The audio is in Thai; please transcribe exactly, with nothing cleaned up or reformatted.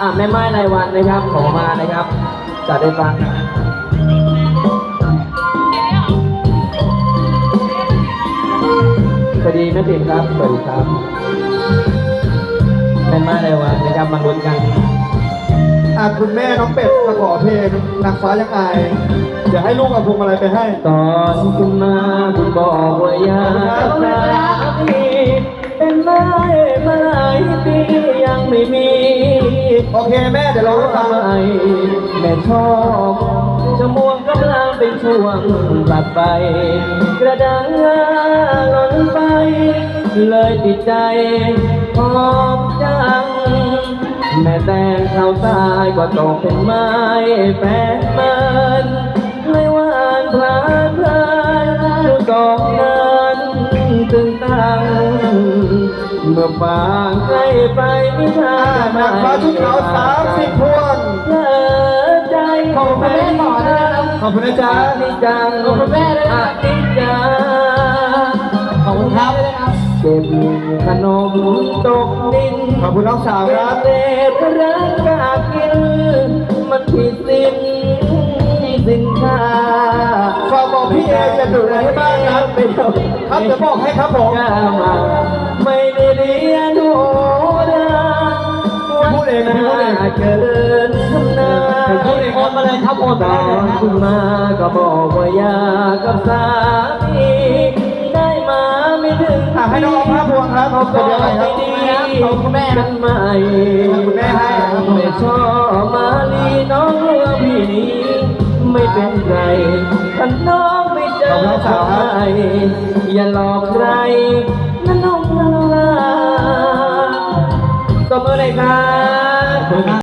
อ่ะแม่ไม้รายวันนะครับขอมานะครับจะได้ฟังสวัสดีแม่ติ๋มครับสวัสดีครับแม่ไม้รายวันนะครับมาลุ้นกันอ่ะคุณแม่น้องเป็ดมาขอเพลงนางฟ้ายังอายเดี๋ยวให้ลูกเอาพวงมาลัยไปให้ตอนคุณมาคุณบอกว่าอยากรักพี่เป็นไม้มาหลายปียังไม่มีโอเคแม่เดี๋ยวเราให้ฟังแม่ชอบชั่วโมงกำลังเป็นช่วงตัดไปกระดังหล่นไปเลยติดใจหอมจังแม่แต่งเขาตายก็ตกเป็นไม้แปดเมินไม่หวานพลานเพลินดูสองนั้นตึงตังเมื่อฟางใกล้ไปไม่ทานางฟ้าชุดขาวสามสิบพวงเธอใจขอบคุณแม่ต่อนะครับขอบคุณนะจ๊ะนิจังขอบคุณแม่เลยนะนิจังขอบคุณครับเก็บขนมตกดินขอบคุณน้องสาวครับเศษรักกากินมันผิดสิ้นสินค้าฝากบอกพี่เอจะดูอะไรให้บ้างครับครับจะบอกให้ครับผมไม่ได้เรียนโหราพูดเองนะพูดเองเกินทำนาพูดเองมาเลยครับโอนตอนคุณมาก็บอกว่าอยากกับสามีได้มาไม่ถึงให้น้องพระพวงครับเขาก็ไม่ดีขอบคุณแม่กันใหม่คุณแม่ให้ไม่ชอบมาลีน้องเรือพี่นี้ไม่เป็นไรถ้าน้องไม่เจอใครอย่าหลอกใครนั่นน้องลาตบมือเลยครับ